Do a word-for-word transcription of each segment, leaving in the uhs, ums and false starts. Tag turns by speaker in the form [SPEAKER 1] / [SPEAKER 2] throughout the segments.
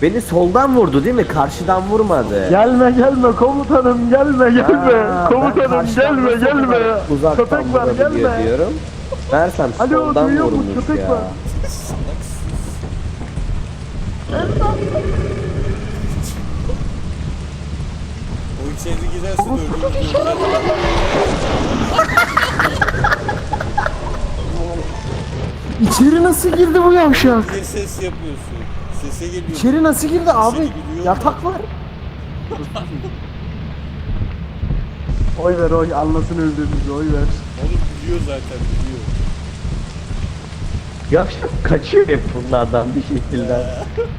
[SPEAKER 1] Beni soldan vurdu değil mi? Karşıdan vurmadı.
[SPEAKER 2] Gelme gelme komutanım gelme gelme.
[SPEAKER 1] Ha, ben
[SPEAKER 2] Komutanım
[SPEAKER 1] karşıdan
[SPEAKER 2] gelme
[SPEAKER 1] nasıl
[SPEAKER 2] gelme.
[SPEAKER 1] kadar uzaktan
[SPEAKER 2] Köpek var
[SPEAKER 1] vurabiliyor
[SPEAKER 2] gelme.
[SPEAKER 1] diyorum. Mersem
[SPEAKER 2] Alo,
[SPEAKER 1] soldan
[SPEAKER 2] duyuyor musun?
[SPEAKER 1] vurmuş
[SPEAKER 2] Köpek
[SPEAKER 1] ya.
[SPEAKER 2] var.
[SPEAKER 3] O içeri girerse de ölür.
[SPEAKER 2] İçeri nasıl girdi bu yavşak?
[SPEAKER 3] Niye ses yapıyorsun? Sese geliyor.
[SPEAKER 2] İçeri nasıl girdi abi?
[SPEAKER 3] Seni biliyor
[SPEAKER 2] Yatak var. Oy ver oy anlasın öldüğümüzü oy ver.
[SPEAKER 3] Onu biliyor zaten biliyor.
[SPEAKER 1] Yavşak kaçıyor hep bunlardan bir şekilde.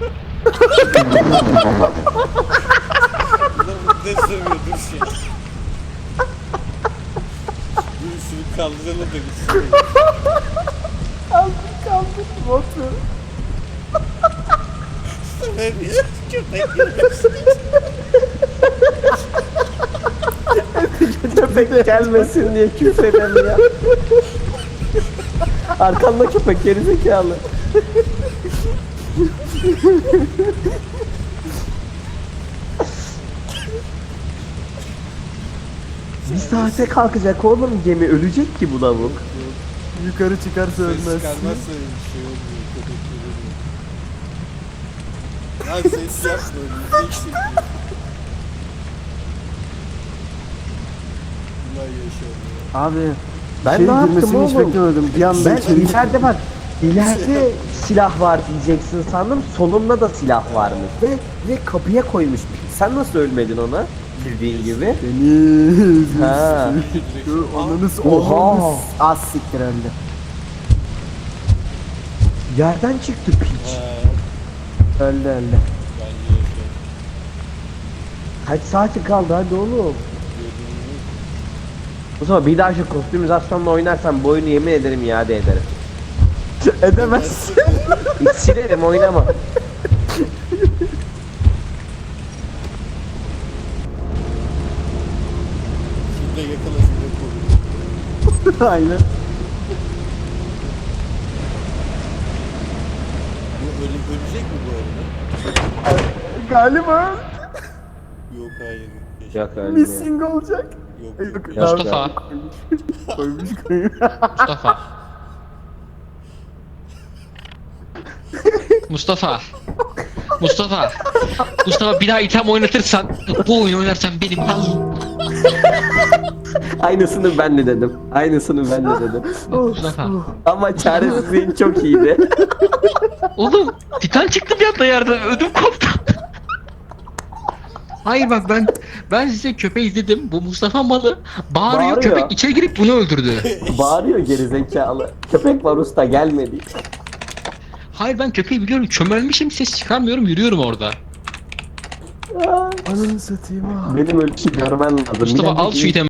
[SPEAKER 3] Bunlar ne sövüyor dur şey. Dur şunu kaldıralım da gitsin.
[SPEAKER 2] Kaldır kaldır botu.
[SPEAKER 3] Söylemiyor. Köpek girmesin.
[SPEAKER 1] Köpek gelmesin diye küfredem ya. Arkanda köpek gerizekalı. Bir saate kalkacak oğlum gemi, ölecek ki bu lavuk.
[SPEAKER 2] Yukarı çıkarsa
[SPEAKER 3] Ses
[SPEAKER 2] ölmezsin.
[SPEAKER 3] çıkarmazsa bir şey olmuyor. Köpek görünüyor. Lan ses yapma öleceksin. Bunlar yaşamıyor.
[SPEAKER 2] Abi
[SPEAKER 1] Ben
[SPEAKER 2] şey
[SPEAKER 1] ne yaptım
[SPEAKER 2] girmesini hiç
[SPEAKER 1] oğlum?
[SPEAKER 2] beklemedim. Bir anda
[SPEAKER 1] Ben
[SPEAKER 2] içeri
[SPEAKER 1] ileride bak, ileride silah var diyeceksin sandım, solumda da silah varmış ve, ve kapıya koymuş. Sen nasıl ölmedin ona girdiğin gibi?
[SPEAKER 2] Deniz.
[SPEAKER 1] Ha.
[SPEAKER 2] Ananız
[SPEAKER 1] Oha.
[SPEAKER 2] oha. Az siktir öldü.
[SPEAKER 1] Yerden çıktı piç.
[SPEAKER 3] Ha,
[SPEAKER 2] Öldü öldü.
[SPEAKER 3] bence yaşıyor.
[SPEAKER 1] Kaç saati kaldı hadi oğlum.
[SPEAKER 3] Gördüğünüz
[SPEAKER 1] O zaman bir daha şu kostümizasyonla oynarsan bu oyunu yemin ederim iade ederim.
[SPEAKER 2] Edemez.
[SPEAKER 1] Hiç silerim oynama.
[SPEAKER 3] Şurada yakala şurada koru.
[SPEAKER 2] Aynen.
[SPEAKER 3] Bu öyle ölecek mi bu arada?
[SPEAKER 2] Galiba
[SPEAKER 3] Yok hayır. Yaşa-
[SPEAKER 1] Yok öyle.
[SPEAKER 2] missing olacak.
[SPEAKER 3] Yok
[SPEAKER 2] Yok,
[SPEAKER 3] yok.
[SPEAKER 2] tamam.
[SPEAKER 4] Mustafa.
[SPEAKER 2] Koymuş koymuş.
[SPEAKER 4] Mustafa. Mustafa. Mustafa. Mustafa bir daha item oynatırsan, bu oyunu oynarsan benim lan.
[SPEAKER 1] Aynısını ben de dedim. Aynısını ben de dedim.
[SPEAKER 4] Mustafa.
[SPEAKER 1] Ama çaresizliğin çok iyiydi.
[SPEAKER 4] Oğlum Titan çıktı bir anda yerden, ödüm koptu. Hayır bak ben ben size köpeği izledim. Bu Mustafa malı bağırıyor,
[SPEAKER 1] Bağırıyor.
[SPEAKER 4] köpek içeri girip bunu öldürdü.
[SPEAKER 1] Bağırıyor gerizekalı. Köpek var usta gelmedi.
[SPEAKER 4] Hayır ben köpeği biliyorum, çömelmişim, ses çıkarmıyorum, yürüyorum orada.
[SPEAKER 2] Ananı satayım ha.
[SPEAKER 1] Benim ölçü görmen lazım.
[SPEAKER 4] Mustafa
[SPEAKER 1] Bir
[SPEAKER 4] al şu
[SPEAKER 1] dakika,
[SPEAKER 4] itemi.